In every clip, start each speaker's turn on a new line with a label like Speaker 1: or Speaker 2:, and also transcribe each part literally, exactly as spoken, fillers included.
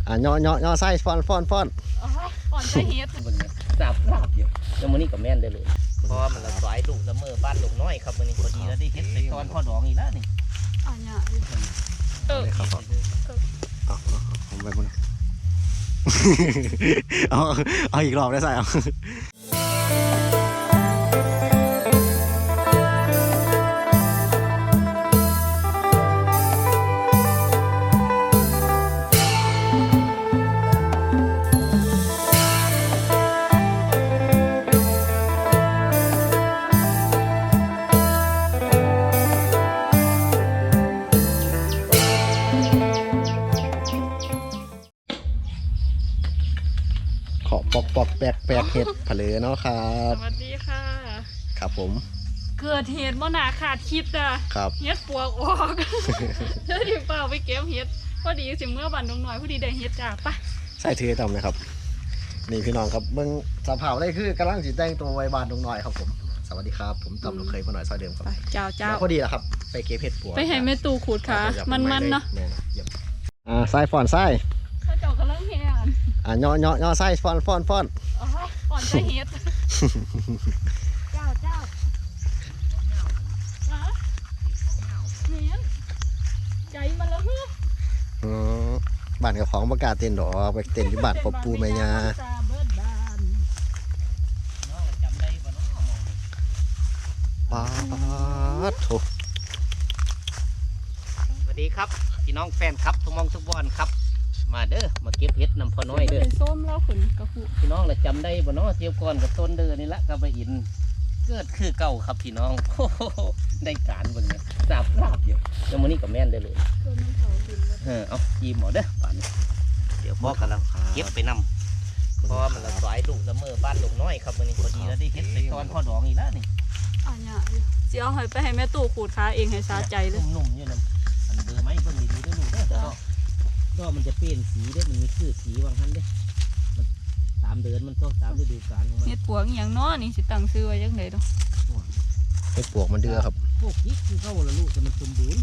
Speaker 1: อ่ะย่อย่อย่อไส้ฟอนฟอนฟอน
Speaker 2: ฟอนใส่เฮ็ด
Speaker 3: สาบลาบอยู่แล้วมื้อนี้ก็แม่นได้เลยเพราะมันละสายลูกละเมอบ้านลงน้อยครับมื้อนี้พอดีแล้วได้เฮ็ดไปตอนพ่อดองอีกแล้วนี่
Speaker 2: อ่ะเนี่ยเออ
Speaker 1: ครับเอาผมไปบนเอาเอาอีกรอบได้ใส่เอาปอกปอกแปลกแปลกเห็ดผะเลเนาะครับ
Speaker 2: สวัสดีค่ะ
Speaker 1: ครับผม
Speaker 2: เกิดเหตุบ่น่าขาดคิดอ่ะ
Speaker 1: ครับ
Speaker 2: เฮ็ดปวกออกเดี๋ยวดิเปล่าไปเก็บเฮ็ดพอดีสิเมื่อบันดงน้อยพอดีได้เฮ็ดจ้าปะ
Speaker 1: ใส่ถือตำนะครับนี่พี่น้องครับเบิ่งสภาพได้คือกำลังสิแต่งตัวไว้บ้านดงน้อยครับผมสวัสดีครับผมตำลูกเคยมาหน่อยซอยเดิมครับ
Speaker 2: เจ้าเจ้า
Speaker 1: พอดีแล้วครับไปเก็บเห็ดปวก
Speaker 2: ไปให้แม่ตู่ขูดขามันมันเนาะ
Speaker 1: อ่าไส้ฟอนไส้
Speaker 2: เจ้ากำลังเฮ็ด
Speaker 1: อ่ะย่อย่อย่อไส้ฟอนฟอนฟอน
Speaker 2: ฟอนใส่เฮ็ดเจ้าเจ้าเนี่ยใจมันละฮึ
Speaker 1: อ๋อบ้านกับของประกาศเต้นดอกไปเต้นที่บ้านปอปูแม่ยาป๊าดโถ
Speaker 3: สวัสดีครับพี่น้องแฟนครับทุกมองทุกบอลครับมาเด้อมาเก็บเห็ดนำพ่อน้อยเด้อ
Speaker 2: ส้มแล้วขุนกระพุ
Speaker 3: พี่น้องเราจำได้บ่เนาะเที่ยวก่อนกับต้นเดือนนี่ละกับไปอินเกิดคือเก่าครับพี่น้องได้การบนนี้สาบลาบอยู่แล้วมื้อนี้ก็แม่นได้เลยเออเอาจีหมอเด้อป่านนี้เดี๋ยวพ่อกันแล้วเก็บไปนำเพราะมันละสายลูกละเมอบ้านลงน้อยครับมื้อนี้พอดีแล้วได้เห็ดไปตอนพ่อดองอีกแล้วนี่
Speaker 2: อ่ะเนี่ยเสียเอาไปให้แม่ตู่ขูดขาเองให้สาใจเลย
Speaker 3: นุ่มๆอยู่นั่นอันเบอร์ไม้เบิ่งดีๆเด้อลูกเด้อก็มันจะเปลี่ยนสีได้มันมีคือสีวางทันได้มันตามเดือนมันก็ตามฤดูกาลของมัน
Speaker 2: เห็ดปวกอย่างน้อนี่สิตั้งซื้อไว้ยังไงดู
Speaker 1: เห็ดปวกมันเดือครับ
Speaker 3: พวกกิ๊กคือเข้าละลูกแต่มันสมบูรณ์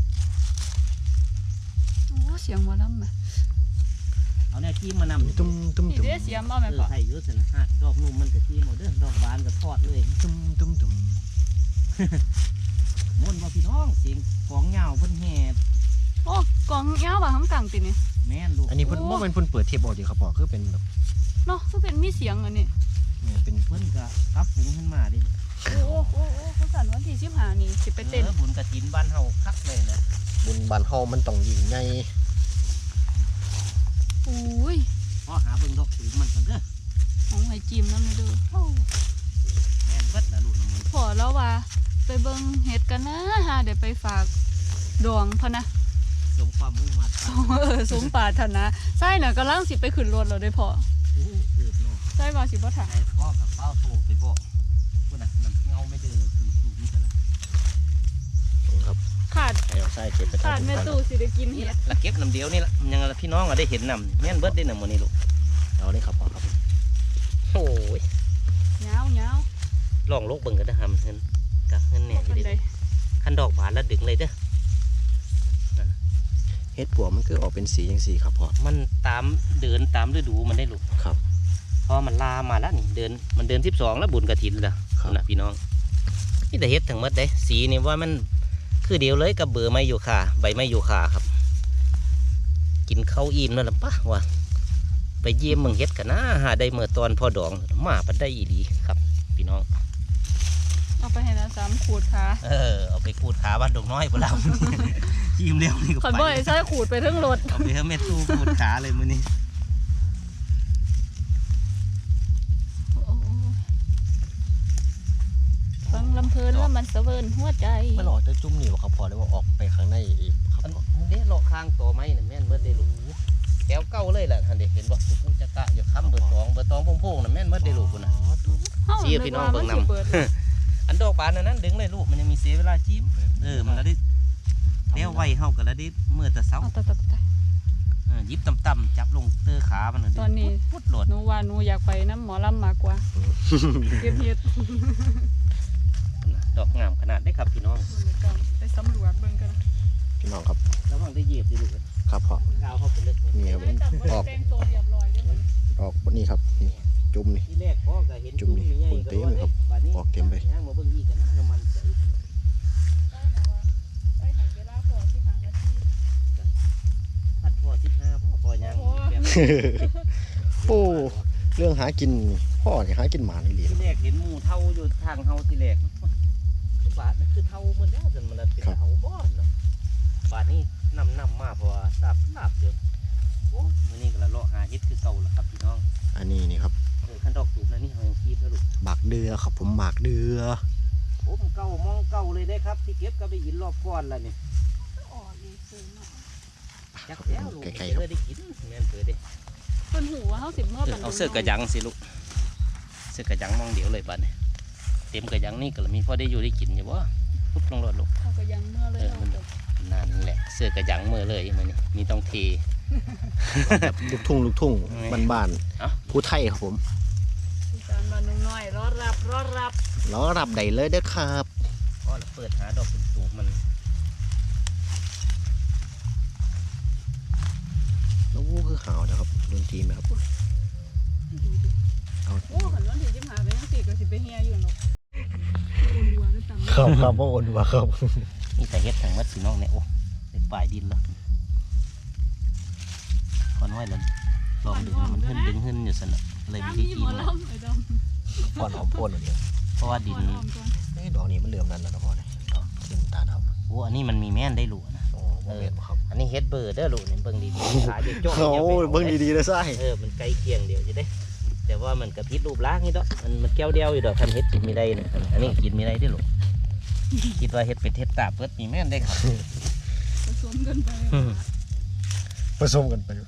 Speaker 2: โอ้เสียงมาล้ำไหม
Speaker 3: เอาเนี่ยจิ้มมานำ
Speaker 1: ตุ้มตุ้ม
Speaker 2: ตุ้มเสียงมาไหมปะ
Speaker 3: ไทยเยอะสินะฮะดอกนุ่มมันก็จิ้มหมดเด้อดอกบานก็ทอดเลย
Speaker 1: ตุ้มตุ้มตุ้ม
Speaker 3: ม้วนบ่พี่น้องเสียงกองเงาเพิ่นแห่
Speaker 2: โอ้กองเงาบ่ทั้งกลางตีนี่
Speaker 3: แม่นลูก
Speaker 1: อันนี้เพิ่นว่าเป็นเพิ่นเปิดเทปออกดีครับพ่อคือเป็นแบบ
Speaker 2: เนาะคือเป็นมีเสียงอันนี้
Speaker 1: เนี่ยเป็น
Speaker 3: เพิ่นก็รับฝูงขึ้นมาดิ
Speaker 2: โอ้โอ้โอ้เขาสั่นวันที่สิบห้านี่สิไปเต้น
Speaker 3: บุญกฐินบ้านเฮาคักเลยนะ
Speaker 1: บุญบ้านเฮามันต้องยิ่งใหญ่
Speaker 2: อุ้ย
Speaker 3: พ่อหาเบิ่งดอกสูงมันก่อนเด้อ
Speaker 2: ของไห้จิ้มน้ำเลยเด้อ
Speaker 3: แม่นเบิดละลูกน้ำมัน
Speaker 2: พอแล้วว่าไปเบิ่งเห็ดกันนะฮะเดี๋ยวไปฝากดวงพะนะ
Speaker 3: สมความมุ่งมั่น
Speaker 2: เออสมปรารถนาใช่น่ะกำลังสิไปขึ้นรถเราได้พอใช่มาสิบ่ถ่าย
Speaker 3: พ่อกับเป้าโทรไปบอกว่าน่ะมันเงาไม่เดือดสูงสูงนี่กันละ
Speaker 1: ครับ
Speaker 2: ขาด
Speaker 1: ใช่เก็บไป
Speaker 2: ขาดแม่ตู่สิได้กินเห็ด
Speaker 3: ละเก็บน้ำเดียวนี่ละยังพี่น้องได้เห็นน้ำแม่นเบิดได้น้ำมันนี่ลูก
Speaker 1: เอาได้ครับพ่อครับ
Speaker 3: โอ้ย
Speaker 2: เงาเงา
Speaker 3: ลองลูกเบิ่งกันนะฮะเงินกับเงินแหน่อยู่ดิขั้นดอกบานแล้วดึงเลยเด้อ
Speaker 1: เห็ดปวกมันคือออกเป็นสีอย่างสีครับพ่อ
Speaker 3: มันตามเดินตามฤดูมันได้ลูก
Speaker 1: ครับ
Speaker 3: พอมันลามาแล้วนี่เดินมันเดินสิบสองแล้วบุญกฐินแล้วนะพี่น้องนี่แต่เห็ดทั้งหมดได้สีนี่ว่ามันคือเดียวเลยกับเบอร์ไม้ยูคาใบไม้ยูคาครับกินข้าวอิ่มนั่นแหละปะว่าไปเยี่ยมเมืองเห็ดกันนะหาได้เมื่อตอนพอดองมาปัดได้อีดีครับพี่น้อง
Speaker 2: เอาไปให้นะสามขูดขา
Speaker 3: เออเอาไปขูดขาบ้านดงน้อยพวกเราจิ้มเร็วนี่ก็ไป
Speaker 2: ขอนบ่อยใช่ขูดไปทั้งรถ
Speaker 3: เอาไปให้แม่ตู้ขูดขาเลยมื้อนี้
Speaker 2: ฟังลำเพลินแล้วมันเสวิร์นหัวใจ
Speaker 1: มันออกจะจุ่มนี่วะครับพอได้ว่าออกไปข้างในอีกครับ
Speaker 3: เด็ดหลอกข้างตัวไม้เนี่ยแม่นเบิดได้ลูกแก้วเก้าเลยแหละท่านเด็กเห็นบ่กูจะกะอยู่ค้ำเบอร์สองเบอร์สองพงๆน่ะแม่นเบิดได้ลูกคุณนะชี้พี่น้องเบิ่งนำอันดอกบานนั้นดึงเลยลูกมันยังมีเสียเวลาจิ้มเออมันแล้วได้เลี้ยวไวเฮากันแล้วได้เมื่อแต่เช้ายิบต่ำๆจับลงเตอขามัน
Speaker 2: ตอนนี้
Speaker 3: พุดโหลด
Speaker 2: หนูว่าหนูอยากไปน้ำหมอลำมากกว่าเก็บเห็ด
Speaker 3: ดอกงามขนาดได้ครับพี่น้อง
Speaker 2: ไปสำรวจเบิ่งกัน
Speaker 1: พี่น้องครับ
Speaker 3: ระวังได้เหยียบดิลูก
Speaker 1: ครับพ่อก
Speaker 3: าวเข้าไปลึก
Speaker 1: นี่ครับ
Speaker 2: ได้จำว่าแต่งตัวเรียบร้อยด้วยมัน
Speaker 1: ออกบนนี้ครับนี่จุ่มนี่
Speaker 3: ที่แรกพ่อก็เห็น
Speaker 1: จุ่มนี่
Speaker 3: ใหญ่
Speaker 1: คนเต็มเลยครับ
Speaker 3: บัดนี้
Speaker 1: ออกเต็มไป
Speaker 3: ย่างมาเบิ่งอีกกันนะน้ำมันใส
Speaker 2: ได้นะว่าได้หันเวลาพอที่ผ่านนาที
Speaker 3: พัดพ่อสิบห้าพ่อพ่อย่าง
Speaker 2: โอ้
Speaker 3: แบบ
Speaker 1: โอ้เรื่องหากินนี่พ่อนี่หากินหมานี่เหรียญ
Speaker 3: ที่แรกเห็นหมูเท่าอยู่ทางเฮาที่แรกคือบาทนั่นคือเท่ามันแล้วจนมันเป็นเท่าบ้อนเนาะบาทนี้นำนำมาเพราะว่าทราบลาบเดียวโอ้มื้อนี้ก็ละเลาะหาเฮ็ดคือเก่าแล้วครับพี่น้อง
Speaker 1: อันนี้นี่ครับ
Speaker 3: เออคันดอกสูบนั่นนี่เฮายังคีบแล้วลูก
Speaker 1: หมากเดือครับผมหมากเดือ
Speaker 3: โอ้มันเก่ามองเก่าเลยได้ครับที่เก็บก็ไปอินรอบก้อนแล้วนี่
Speaker 2: ออกอีกซื้อมา
Speaker 3: จักแล้วลูก
Speaker 1: ใกล้
Speaker 3: เจ
Speaker 1: ๆค
Speaker 3: อ
Speaker 1: รับ
Speaker 3: ได้กินแม่นเปิดเด้
Speaker 2: เพิ่นหูว่าเฮาสิเมื่อปัน
Speaker 3: เอาเสื้อกระยังสิลูกเสื้อกระยังมองเดี๋ยวเลยบัดนี้เต็มกระยังนี่ก็ละมีพอได้อยู่ได้กินอยู่บ่ปุ๊บลงรถลูก
Speaker 2: เขาก็ยังเมื่อเลย
Speaker 3: เออ
Speaker 2: เนาะ
Speaker 3: มันนั่นแหละเสื้อกระยังมือเลยมันนี่มีต้องเท
Speaker 1: แบบลูกทุ่งลูกทุ่งบ้าน
Speaker 3: เอ้า
Speaker 1: ๆผู้ไทยครับผม
Speaker 2: อีสานบ้านนุ่งน้อยรอรับรอรับ
Speaker 1: ล้อรับได้เลยเด้อครับ
Speaker 3: ก็เปิดหาดอกสูงๆมัน
Speaker 1: แล้ววู้คือขาวนะครับดนตรีไหมครับ
Speaker 2: ดีดิ
Speaker 1: เอา
Speaker 2: โอ้ขันวันที่สิบห้าเป็นจังซี่ก็สิไปเฮียอยู่หรอกโอนดัวด้วยตำ
Speaker 1: ครับครับพ่อโอนว่าครับ
Speaker 3: นี่แต่เฮ็ดทางมัดสีน้องเนี่ยโอ้ได้ปลายดินแล้วคอนไว้แล้วลองดึงมันขึ้นดึงขึ้นอยู่สนะเลยไม่ได้
Speaker 2: มี
Speaker 3: กิ
Speaker 2: หม
Speaker 3: น
Speaker 2: อ
Speaker 3: นะ
Speaker 2: ลำไอ้ดำ
Speaker 1: พ่อนหอมโพ่นเดียว
Speaker 3: เพราะว่าดิน
Speaker 2: ก่อนออมก่อน
Speaker 1: เอ้ยดอกนี้มันเหลื่อมนั่นแล้วนะพ่อเนี่ยดอกสีน้ำตาลครับ
Speaker 3: โอ้อันนี้มันมีแม่นได้หลูนะ
Speaker 1: โอ้โหเห็นบ่ครับ
Speaker 3: อันนี้เฮ็ดเบอร์เด้อลูกนี่เบิ่งดีๆขาจะโจ้
Speaker 1: โอ้เบิ้งดีๆเลยไส้
Speaker 3: เออมันใกล้เคียงเดียวจะได้ แต่ว่ามันกระพิษรูปร่างนี่ดอกมันมันแก้วเดียวอยู่ดอกทำเฮ็ดกินไม่ได้นะอันนี้กินไม่ได้ได้อลูกคิดว่าเฮ็ดเป็ดเฮ็ดตาเปิดมีแม่นได้ครับ
Speaker 2: ผสมกันไป
Speaker 1: ผสมกันไป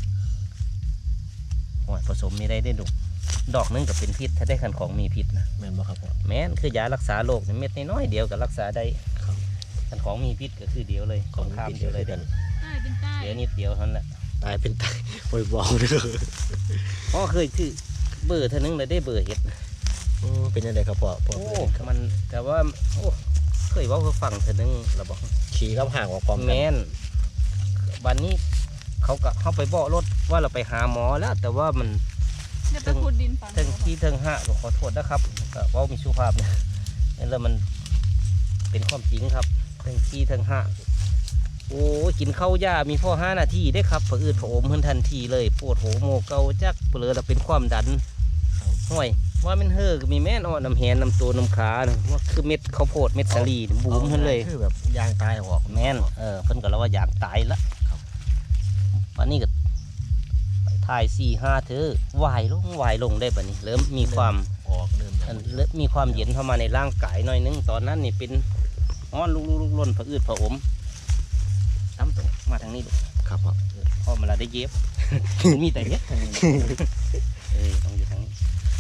Speaker 3: โอ้ยผสมไม่ได้ได้อลูกดอกนึงก็เป็นพิษถ้าได้คันของมีพิษนะ
Speaker 1: แม่นบ่ครับพ่อ
Speaker 3: แม่นคือยารักษาโรคนี่เม็ดน้อยๆเดียวก็รักษาได้
Speaker 1: ครับ
Speaker 3: คันของมีพิษก็คือเดียวเลยของข้ามเดียวเลย
Speaker 1: กั
Speaker 3: เด้อน
Speaker 2: ใต้เป็นใต้
Speaker 3: เดี๋ยวนิดเดียวเท่านั้นแหละ
Speaker 1: ตายเป็นตายบ่อยบอกเลย
Speaker 3: พ่อเคยคือเบอร์เท่านึงเลยได้เบอร์เฮ็ด
Speaker 1: อืมเป็นยังไงครับพ่อพ่อ
Speaker 3: โอ้มันแต่ว่าโอ้เคยเว่าเขาฟังเท่านึงเราบอก
Speaker 1: ขี่กับห่างกว่าความ
Speaker 3: แม่นวันนี้เขาก็เข้าไปบอกรถว่าเราไปหาหมอแล้ว แต่ว่ามัน
Speaker 2: เนี่ยไปขุดดินฝัง
Speaker 3: เทิงที่เทิงห้าก็ขอโทษนะครับก็เว่ามีสุภาพนะแล้วมันเป็นความจริงครับเทิงที่เทิงห้าโอ้ยกินข้าวยามีพ่อห้านาทีได้ครับผืดผอมขึ้นทันทีเลยปวดหัวโมเกาจักเปลือเราเป็นความดันห่วยว่ามันเฮ่อก็มีแม่นอ่อนน้ำแหนน้ำตัวน้ำขานะว่าคือเม็ดข้าวโพดเม็ดสาลีบูมขึ้นเลย
Speaker 1: คือแบบยางตายออก
Speaker 3: แม่นเออเพิ่นก็แล้วว่าอยากตายละวันนี้ก็ไปถ่ายสี่ห้าเธอวายลงวายลงได้บัดนี้ เริ่มมีความ
Speaker 1: ออกเริ่ม
Speaker 3: อันเริ่มมีความเย็นเข้ามาในร่างกายหน่อยนึงตอนนั้นนี่เป็นอ้อนลุกลุกลุกล่นผะอืดผะอมตั้มตรงมาทางนี้ดู
Speaker 1: ครับพ่อ
Speaker 3: พ่อมาละได้เย็บ มีแต่เย็บทางนี้นะเออต้องอยู่ทางนี้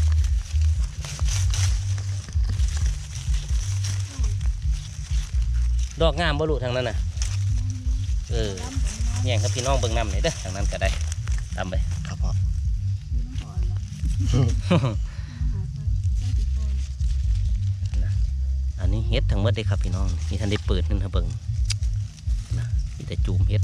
Speaker 3: ดอกงามบ่ลูกทางนั้นน่ะเออ แย่งครับพี่น้องเบิ่งน้ำหน่อยเด้อทางนั้นก็ได้ตามไป
Speaker 1: ครับพ่อ
Speaker 3: อันนี้เฮ็ดทั้งหมดเลยครับพี่น้องมีท่านได้เปิดนึงนะเบิ่งนะมีแต่จูมเฮ็ด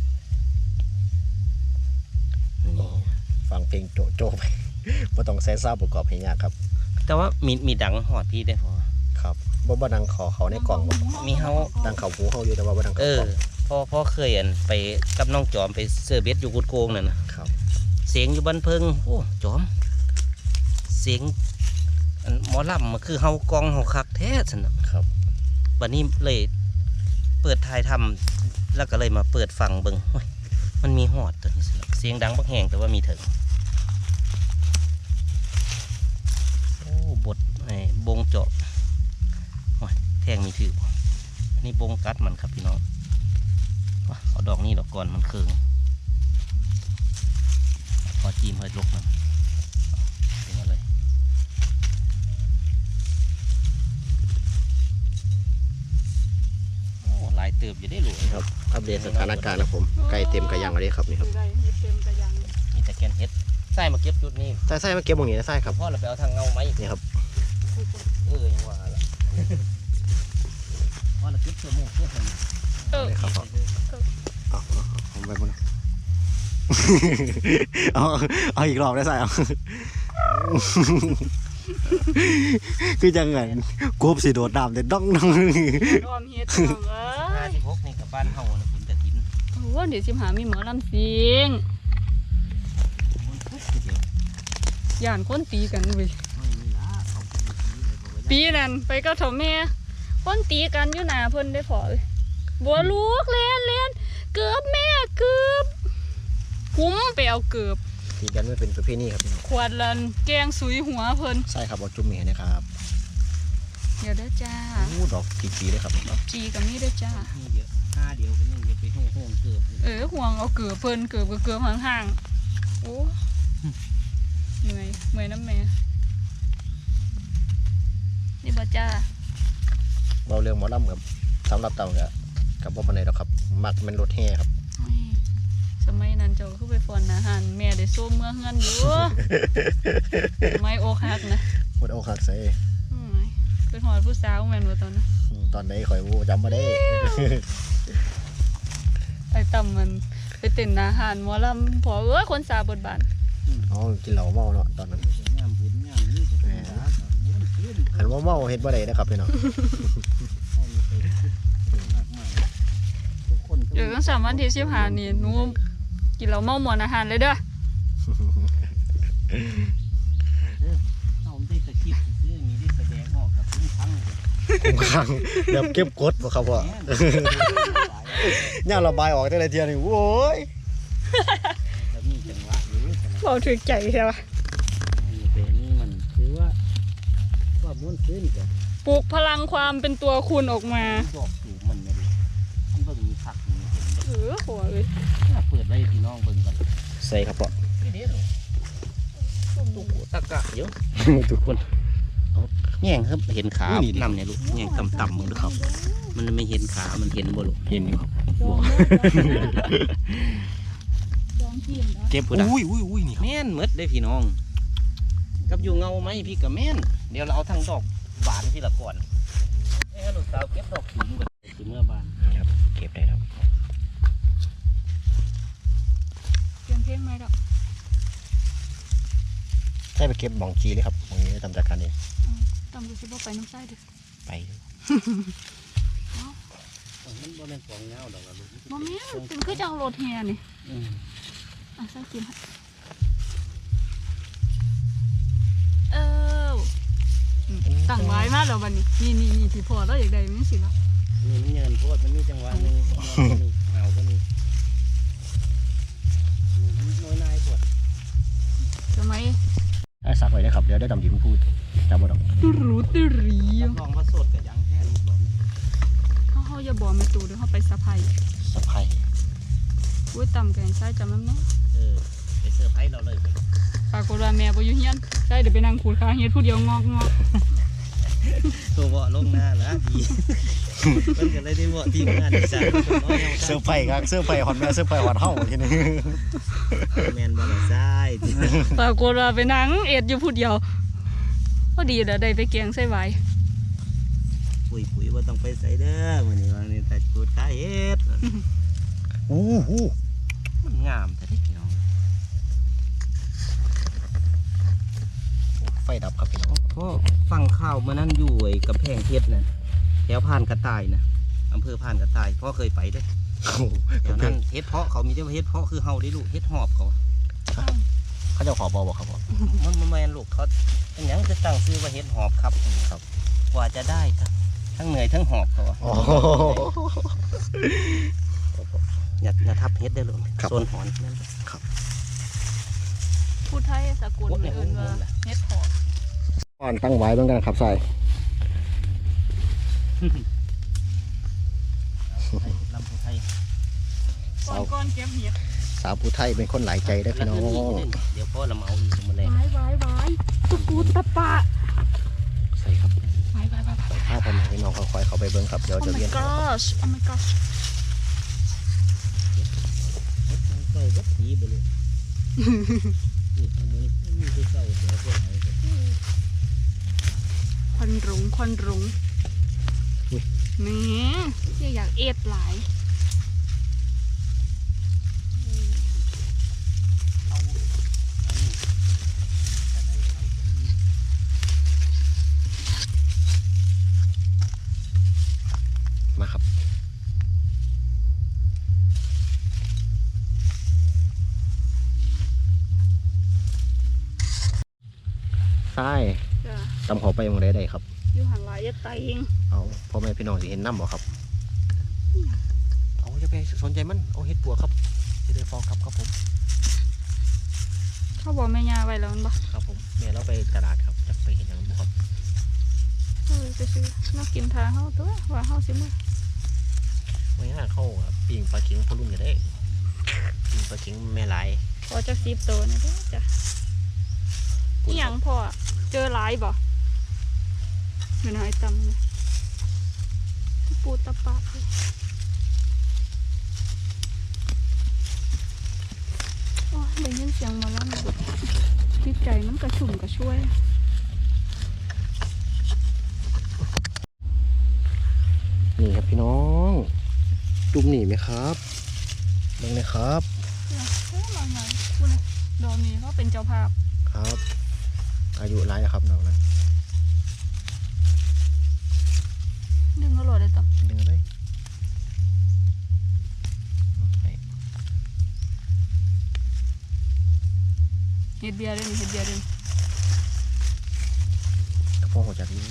Speaker 3: นี่
Speaker 1: ฟังเพลงโจโจไปบ่ต้องใส่ซาวด์ประกอบให้ยากครับ
Speaker 3: แต่ว่ามีมีดังหอดพี่ได้พอ
Speaker 1: ครับบ่บ่ดังขอเขาในกล่องบ่
Speaker 3: มีเฮา
Speaker 1: ดังเขาหูเขาอยู่แต่ว่าบ่ดัง
Speaker 3: เอ
Speaker 1: เขา
Speaker 3: อก
Speaker 1: ล่อง
Speaker 3: พ่อพ่อเคยอันไปกับน้องจอมไปเสือเบ็ดอยู่กุดโกงนั่นนะครับ เสียงอยู่บ้านเพิงโอ้จอม เสียงอันหมอลำมันคือเฮากองเฮาคักแท้สนะครับ บัดนี้เลยเปิดถ่ายทำแล้วก็เลยมาเปิดฟังเบิ่งโอ้ยมันมีหอดตัวนี้สิเสียงดังบักแหงแต่ว่ามีถึงโอ้บทไอ้บงเจาะโอ้ยแทงมีถือบ่อันนี้บงกัดมันครับพี่น้องว้าเอาดอกนี้ดอกก่อนมันเคืองพอจีมเฮ้ยลกมันเป็นมาเลยโอ้หลายเติบอยู่ได้หลว
Speaker 1: ครับอัปเดตสถานการณ์นะผมไก่เต็มกระยังเลยครับนี่ครับ
Speaker 2: ได้เฮ็ดเต็มกระยัง
Speaker 3: มีแต่แกนเฮ็ดใส่มาเก็บจุดนี้
Speaker 1: ใส่ใส่มาเก็บตรงนี้นะใส่ครับ
Speaker 3: พ่อเราไปเอาทางเงาไหม
Speaker 1: นี่ครับ
Speaker 3: เออยังว่าละพ่อเราเก็บเสื้อหมวกเสื้อแขน
Speaker 2: เออ
Speaker 1: นี่ครับพ่อเอาเอาเอาผมไปพุ่น เอาเอาอีกรอบได้ใส่เอา คือจังไงกบสิโดดน้ำแต่ดองดอง
Speaker 2: รวมเฮ็ดน้องเอ้
Speaker 3: ห้าย สิบหกนี่กับบ้านเฮาน่ะบุญกฐิน
Speaker 2: โอ้เดี๋ยวสิหามีหมอลำเสียง
Speaker 3: มันทุกข์ทีเดียว
Speaker 2: ย่านคนตีกันเว้ย
Speaker 3: ไม่มีละเอาไปตีเลยบอกว่า
Speaker 2: ปีนั้นไปกับเฒ่าแม่คนตีกันอยู่หน้าเพิ่นได้พอเลยบัวลูกเล่นเล่นเกือบแม่เกือบคุ้มไปเอาเกือบ
Speaker 1: ตีกันไม่เป็นประเพณีครับพี่น้อง
Speaker 2: ขวดลันแกงสุยหัวเพิ่น
Speaker 1: ใช่ครับเอาจุ่มเมียนะครับ
Speaker 2: เดี๋ยวเด้อจ้า
Speaker 1: อู้ดอกจีๆเลยครับ
Speaker 2: จีกับนี่เด้อจ้า
Speaker 3: มีเยอะห้าเดียวกันยังจะไปห้องห้องเกือบ
Speaker 2: เออห่วงเอาเกือบเพิ่นเกือบก็เกือบห่างๆโอ้เหนื่อยเมื่อยน้ำแม่นี่บ่จ้า
Speaker 1: เราเรื่องหมอลำครับสำหรับเต่ากับกับบ่ปานใดดอกครับมักเป็นรถแห่ครับ
Speaker 2: นี่สมัยนั้นเจ้าคือไปฟอนอาหารแม่ได้ส้มเมื่อเฮือนอยู่ สมัยอกหักนะ
Speaker 1: หมดเอาคักใส่
Speaker 2: อืมเป็นหอดผู้สาวแม่นบ่ตอนนั้น
Speaker 1: ตอนใดข่อยวูจำมาได้
Speaker 2: ไอ้ต่ำมันไปเต้นอาหารหมอลำพอเอ้ยคนสาบทบาท
Speaker 1: อ๋อกินเหล้าเมาเนาะตอนนั้น
Speaker 3: งามบุญงามนี่จะเป็นร้านม้วนขึ้น
Speaker 1: หันว่าเมาเฮ็ดบ่ได้นะครับพี่น้อง
Speaker 3: ห้องไปมากมายทุกคน
Speaker 2: เดี๋ยวต้องสามวันที่สิบห้านี่หนูกินเหล้าเมาหมอนอาหารเลยเด้อ
Speaker 3: เอาได้ตะคิดซื้อมีได้แสดงออกกับทุกครั้ง
Speaker 1: คุ้มครั่งแบบเก็บกดบ่ครับพ่อ ย่างระบายออกแต่ละเทียนี่โว้ย
Speaker 3: แล้วมีจังหวะอยู่จังหวะ
Speaker 2: เราถึกใจใช่ปะ
Speaker 3: นี่เป็นนี่มันคือว่าว่าม้วนขึ้นกับ
Speaker 2: ปลุกพลังความเป็นตัวคุณออกมา
Speaker 3: ดอกสูงมันไม่รู้มันเบิ่งมีผักมีเห็น
Speaker 2: เออหัวเลย
Speaker 3: เปิดไว้พี่น้องเบิ่งกัน
Speaker 1: ใส่ครับพ่อ
Speaker 3: นี่เด้อตุ๊กตะกะเยอะ
Speaker 1: ทุกคน
Speaker 3: แง่งครับเห็นขานำเนี่ยลูกแง่งต่ำๆมึงดูครับ มันไม่เห็นขา มันเห็นบ่ลูก
Speaker 1: เห็นอยู่ครับ
Speaker 2: จองจองทีมนะ
Speaker 1: เก็บอุ้ยอุ้ยอุ้ยนี่ครับ
Speaker 3: แม่นหมดได้พี่น้อง กับอยู่เงาไหมพี่กับแม่น เดี๋ยวเราเอาทั้งดอกบานพี่ละก่อนไอ้ฮัลโหลสาวเก็บดอกสูงก่อนคือเมื่อบาน
Speaker 1: ครับเก็บได้ครับ
Speaker 2: เปลี่ยนเพลงไหมดอก
Speaker 1: ใช่ไปเก็บบ่องจีเลยครับบ่องนี้ทำจากการเอง
Speaker 2: ตำดูสิบ่ไปน้ำไส้ดิ
Speaker 1: ไป
Speaker 3: มันบ่เป็นฟองเงาดอกละลูก
Speaker 2: บ่แม่นเป็นคือจังโรถแฮนี่
Speaker 3: อืม
Speaker 2: อ่ะใส่กินให้เอออืมตั้งไว้มาแล้วบัดนี้นี่นี่นี่ที่พอแล้วอยากได้มันสิละ
Speaker 3: นี่มันเยินโพดมันมีจังหวะหนึงเอาก็มีน้อยนายปวด
Speaker 2: สมัย
Speaker 1: ไอ้สักไว้นะครับเดี๋ยวได้ดำยิ้มพูดจำบ่ดอก
Speaker 2: ตุรูตุรี
Speaker 3: ลองมาสดกับยังแค่ลูกหลอน
Speaker 2: เขาเขาอย่าบอกแม่ตูเดี๋ยวเขาไปสะพาย
Speaker 1: สะพาย
Speaker 2: อุ้ยต่ำแกงใส่จำน้ำเนาะ
Speaker 3: เออไปเซอร์ไพรส์เราเลย
Speaker 2: ปรากฏว่าแม่บ่อยู่เฮียนใช่เดี๋ยวไปนั่งขูดขาเฮ็ดผู้เดียวงอกงอก
Speaker 3: ตัวเบาะลงหน้าแล้วดีมันก็เลยได้เบาะทีมงานอีสาน
Speaker 1: เสื้อไผ่ครับเสื้อไผ่ฮอนแม่เสื้อไผ่ฮอนเฮาทีนี้
Speaker 3: แมนบอลซ้าย
Speaker 2: ปรากฏว่าไปนั่งเอ็ดอยู่ผู้เดียวพอดีเดี๋ยวได้ไปแกงใส่ไว้
Speaker 3: ปุ๋ยปุ๋ยว่าต้องไปใส่เด้อวันนี้วันนี้แต่กูดขาเฮ็ด
Speaker 1: อู้หู
Speaker 3: มันงามแต่ที่พี่น้อง
Speaker 1: ไฟดับครับพี่น้อง
Speaker 3: พ่อฟังข่าวมานั่นอยู่ไอ้กำแพงเพชรนะแถวผ่านกระต่ายนะอำเภอผ่านกระต่ายพ่อเคยไปเด้วย
Speaker 1: โอ้โห
Speaker 3: แถวนั้นเฮ็ดเพาะเขามีแต่ว่าเฮ็ดเพาะคือเฮาได้ลูกเฮ็ดหอบเขา
Speaker 1: เขาจะขอบอบอกครับพ่อ
Speaker 3: มันมันแมนลูกเขาเป็นหยังคือตั้งชื่อว่าเฮ็ดหอบครับครับกว่าจะได้ทั้งทั้งเหนื่อยทั้งหอบเขาอะ
Speaker 1: อ๋อ
Speaker 3: อย่าอย่าทับเฮ็ดได้เลยโซนหอนนั่น
Speaker 2: ผู้ไทยสกุลเอิ้นว่าเฮ็ดหอม
Speaker 1: ก่อนตั้งไว้ต้องกันครับใส่
Speaker 3: ลำพูไทย
Speaker 2: ก่อนก่อนเก็บเห็ด
Speaker 1: สาวผู้ไทยเป็นคนหลายใจได้อพี่น้อง
Speaker 3: เดี๋ยวพ่อเรามาเอาอีกมาเลย
Speaker 2: ไว้ไว้ไว้ตุกูตะปะ
Speaker 1: ใส่ครับ
Speaker 2: ไว้ไว้ไว้ไว้
Speaker 1: ถ้าผมพี่น้องเขาคอยเขาไปเบิ้งครับเดี๋ยว
Speaker 2: โอ้
Speaker 1: จะ
Speaker 2: my
Speaker 1: เรียน
Speaker 2: gosh oh my gosh
Speaker 3: ใส่วัดสีไปเลยนี่ทำมันมีคือเศร้าเสียเสียหาย
Speaker 2: ควันรุงควันรุงแหม่ที่อยากเอ็ดหลาย
Speaker 1: ทราย
Speaker 2: จ้ะ
Speaker 1: ตำเขาไปหมองใดได้ครับ
Speaker 2: อยู่หันหลายอย่าไตเอง
Speaker 1: เอาพ่อแม่พี่น้องสิเห็นน้ำบ่ครับเอาอย่าไปสนใจมันเอาเฮ็ดปัวครับสิได้ฟองครับครับผม
Speaker 2: เขาบอกแม่ยาไว้แล้วมันบ่
Speaker 1: ครับผมแม่เราไปตลาดครับจะไปเห็นอย่างบุครับ
Speaker 2: เออไปซื้อน่ากินทาเฮาตัวว่าเฮาสิมื้อ
Speaker 1: ไม่ง่ายเข้าอะปิ่งปลาเข็งพอรุ่นกันได้ปิ่งปลาเข็งแม่หลาย
Speaker 2: พอจักสิบตัวนี่เด้อจ้ะอีหยังพ่อเจอหลายบ่เดี๋ยวนะไอ้ตำนี่ปูตะปะเลยโอ้ยได้ยินเสียงหมาแล้วสุดจิตใจมันกระชุ่มกระชวย
Speaker 1: นี่ครับพี่น้องจุ่มหนีไหมครับเบิ่งเลยครับ
Speaker 2: เฮ้ยมาไงพูดเลยดอกนี้เขาเป็นเจ้าภาพ
Speaker 1: ครับ อายุร้ายแล้วครับน้องนะ
Speaker 2: ดึงเขาโหลดเลยต่อ
Speaker 1: ดึงเลยให้
Speaker 2: เฮ็ดเบียร์เลยนี่เฮ็ดเบียร์เลย
Speaker 1: กระโปรงหัวจักนี้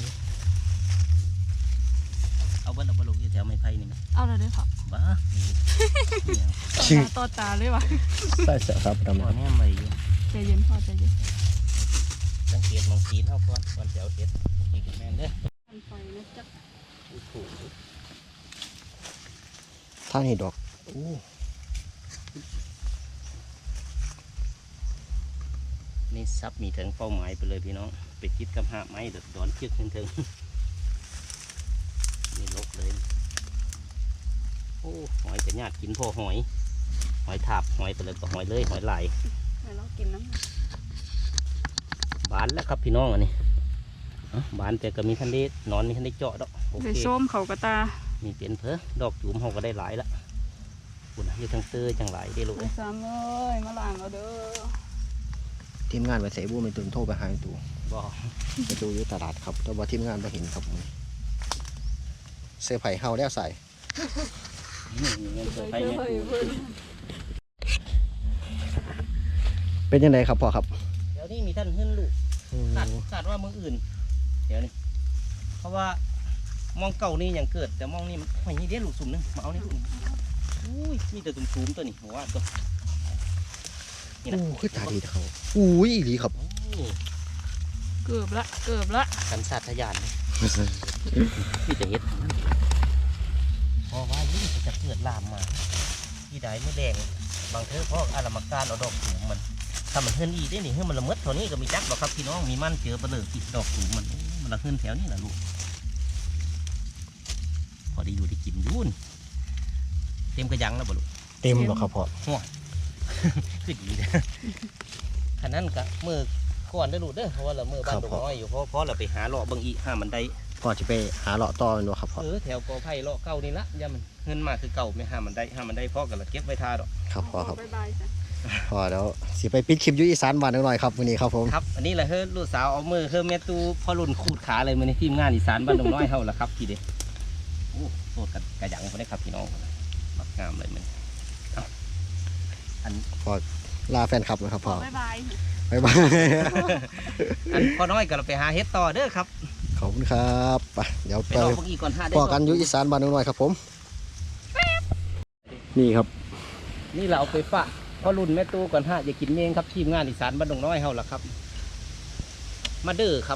Speaker 3: เอาเบิ้ลเอาบอลลูกยี่แถวไม้ไผ่นี่ไหม
Speaker 2: เอาเลยเด้อค่ะ
Speaker 3: บ้านี่
Speaker 2: ต่อตาต่อตาเลยวะ
Speaker 1: ใส่เสื้อครับดำ
Speaker 3: พอ
Speaker 1: ครับ
Speaker 3: แน่ไม่อยู่
Speaker 2: ใจเย็นพ่อใจเย็น
Speaker 3: สังเกตมองสีนเท่าก่อนก่อนจะเอาเห็ดนี่คือแม่นเด้อ
Speaker 2: อันไฟนะจ๊ะ
Speaker 3: โอ้โห
Speaker 1: ท่านเห็ดดอกโอ้
Speaker 3: นี่ซับมีถึงเป้าหมายไปเลยพี่น้องไปคิดกับหาไม้เดือดร้อนเชือกถึงๆนี่ลกเลยโอ้หอยจะญาติกินพ่อหอยหอยถาบหอยไปเลยก็หอยเลยหอยลาย
Speaker 2: เดี๋ยวเรากินน้ำ
Speaker 3: บานแล้วครับพี่น้องอันนี้เอ้าบานแต่ก็มีทันได้นอนมีทันได้เจาะดอกโอ
Speaker 2: ไป
Speaker 3: เค
Speaker 2: ส้มเขากระตา
Speaker 3: มีเปลี่ยนเพอดอกจุ่มเขาก็ได้หลายละคุณอยู่ทางเตอจังหลายได้ลูก
Speaker 2: ไป
Speaker 3: เอ้ย
Speaker 2: ซ้ำเลยมาล้างเอาเด้อ
Speaker 1: ทีมงานไปใส่บูไม่ตื่นโทรไปหาไอ้ตู่
Speaker 3: บ่
Speaker 1: ไปดูอยู่ตลาดครับแต่ว่าทีมงานไปเห็นครับผมเสื้อไผ่เฮาแล้วใส่
Speaker 3: นี่เงินเสือไผ่แม่กู
Speaker 1: เป็นยังไงครับพ่อครับ
Speaker 3: เดี๋ยวนี้มีท่านขึ้นลูกขาดขาดว่ามืออื่น เดี๋ยวนี้เพราะว่ามองเก่านี่ยังเกิด แต่มองนี่มันหอยนี่เดี๋ยวลูกสุ่มนึงมาเอานี่ลูกอุ้ยมีแต่ตุ่มๆตัวนี้หัวตัวนี่นะ
Speaker 1: โอ้คือตาดีเขาอุ้ยอีหลีครับ
Speaker 3: โอ้
Speaker 2: เกือบละเกือบละ
Speaker 3: กันศาสตร์ทะยานเลยพี่จะเฮ็ดเพราะว่ายิ่งจะเกิดลามมาที่ใดไม่แดงบางเทอพ่ออารามการเอาดอกสูงมันถ้ามันเฮิรนอีได้นี่เฮิรนมันละเมิดเท่านี้ก็มีจักหรอกครับพี่น้องมีมันเจอเปลือกอีกดอกสูงมันโอ้มันละเฮิรนแถวนี้แหละลูกพอได้อยู่ได้กินอยุ่นเต็มกระยังแล้วบ่ลูก
Speaker 1: เต็มหรอครับพ่อ
Speaker 3: คือดีนะขนาดนั้นกะมือก่อนได้อลูกเด้อเพราะว่าเรามือบ้านดงน้อยอยู่เพราะเพราะเราไปหาเลาะบางอีห้ามันได้
Speaker 1: พ่อจะไปหาเลาะต่อเป็นวะครับพ่อ
Speaker 3: เออแถวกอไผ่เลาะเก่านี่ละอย่ามันเงินมาคือเก่าไม่ห้ามันได้ห้ามันได้พ่อกันละเก็บไว้ทาดอก
Speaker 1: ครับพ่อครับ
Speaker 2: บ๊ายบายจ้ะ
Speaker 1: พ่อแล้วสิไปปิดคลิปอยูอีสานบ้านหน่อยครับวันนี้ครับผม
Speaker 3: ครับอันนี้แหละเฮ้ยลูกสาวเอามือเฮ้ยแม่ตูพ่อรุ่นขูดขาเลยมือในทีมงานอีสานบ้านดงน้อยเฮาละครับพี่เด้โอ้โสดกันกระยังคนได้ครับพี่น้องมักงามเลยมันเอาอัน
Speaker 1: ลาแฟนคลับนะครับพ่อ
Speaker 2: บ๊ายบาย
Speaker 1: บ๊ายบาย
Speaker 3: อันพ่อน้อยก็เราไปหาเฮ็ดต่อเด้อครับ
Speaker 1: ขอบคุณครับไปเดี๋ยว
Speaker 3: ไป
Speaker 1: ไป
Speaker 3: รอพวกอีกก่อนห้าได้
Speaker 1: พ่อกันอยูอีสานบ้านหน่อยครับผม นี่ครับ
Speaker 3: นี่เราเอาไปฝากพ่อรุ่นแม่ตูก่อนห้าอย่ากินเมงครับทีมงานอีสานบ้านดงน้อยเฮาละครับ มาเด้อครับ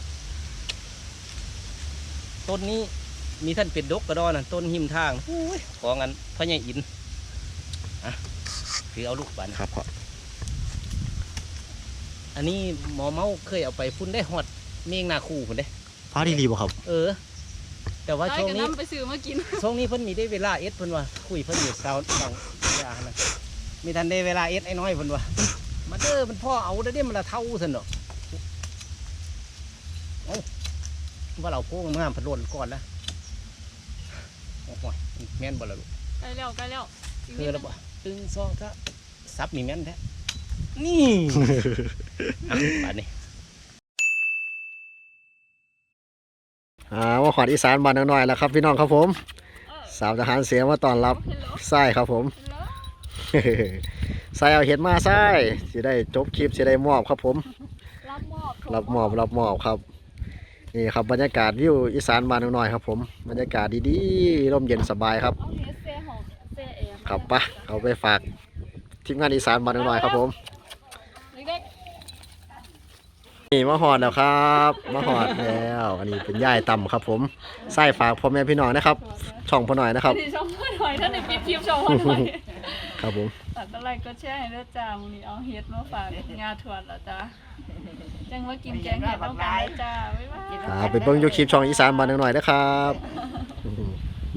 Speaker 3: ต้นนี้มีท่านเป็นดกกระดอนนะต้นหิมทางโอ้ยของอันพ่อใหญ่อินอ่ะถือเอาลูกบาน
Speaker 1: ครับพ่อ
Speaker 3: อันนี้หมอเมาเคยเอาไปฟุ้นได้หอดเมงนาคูคนเด้
Speaker 1: ฟ้าดีรีบ่ครับ
Speaker 3: เออ แต่ว่า
Speaker 2: ได้
Speaker 3: ช่วง
Speaker 2: กัน
Speaker 3: นี้
Speaker 2: น้ำไปซื้อมากิน
Speaker 3: ช่วงนี้เพิ่นมีได้เวลาเอสเพิ่นว่าคุยเพิ่นอยู่สาวฟังยานะมีทันได้เวลาเอสไอ้น้อยเพิ่นว่ามาเด้อมันพ่อเอาได้เด้มันละเท่าซั่นดอกเอ้าว่าเราโค้งงามพัดลนก่อนละโอ้โหแม่นบ่ล่ะลูก
Speaker 2: ใกล้แล้วใกล้แล้วอีก
Speaker 3: คื
Speaker 2: นิ
Speaker 3: อ
Speaker 2: ด
Speaker 3: แล้ว
Speaker 2: นึง
Speaker 3: บ่ตึงซองถ้าซับมีแม่นแท้นี่ อ่ะบาดนี้
Speaker 1: อ่าว่าขวัญอีสานบ้านหน่อยแล้วครับพี่น้องครับผม
Speaker 2: เออ
Speaker 1: สาวทหารเสียมาต้อนรับ
Speaker 2: เห็นแล้ว
Speaker 1: ไส้ครับผม
Speaker 2: เห็นแล้ว
Speaker 1: ไส้เอาเห็ดมาไส้สิได้จบคลิปสิได้มอบครับผม
Speaker 2: ลรับมอบ
Speaker 1: รับมอบรับมอบครับนี่ครับบรรยากาศวิวอีสานบ้านหน่อยครับผมบรรยากาศดีๆร่มเย็นสบายครับ
Speaker 2: เอาเฮดเซ่ของเซ่เอ็ม
Speaker 1: ครับปะเอาไปฝากทีมงานอีสานบ้านหน่อยครับผม
Speaker 2: เล็ก
Speaker 1: นี่มาหอดแล้วครับมาหอดแล้วอันนี้เป็นย่ายต่ำครับผมไส้ฝากพ่อแม่พี่น้องนะครับ ช่องพ่อหน่อยนะครับ
Speaker 2: นี่ช่องพ่อหน่อยท่านในปิดคลิปช่องพ่อหน่อย
Speaker 1: ครับผม
Speaker 2: ฝากอะไรก็แช่ให้ด้วยจ้ามื้อนี้เอาเฮ็ดมาฝากงาถั่วแล้วจ้าจังว่ากินแกงเห็ดต้องการจ้าบ๊ายบาย
Speaker 1: อ่าไปเบิ่งยูคลิปช่องอีสานบ้านหน่อยนะครับ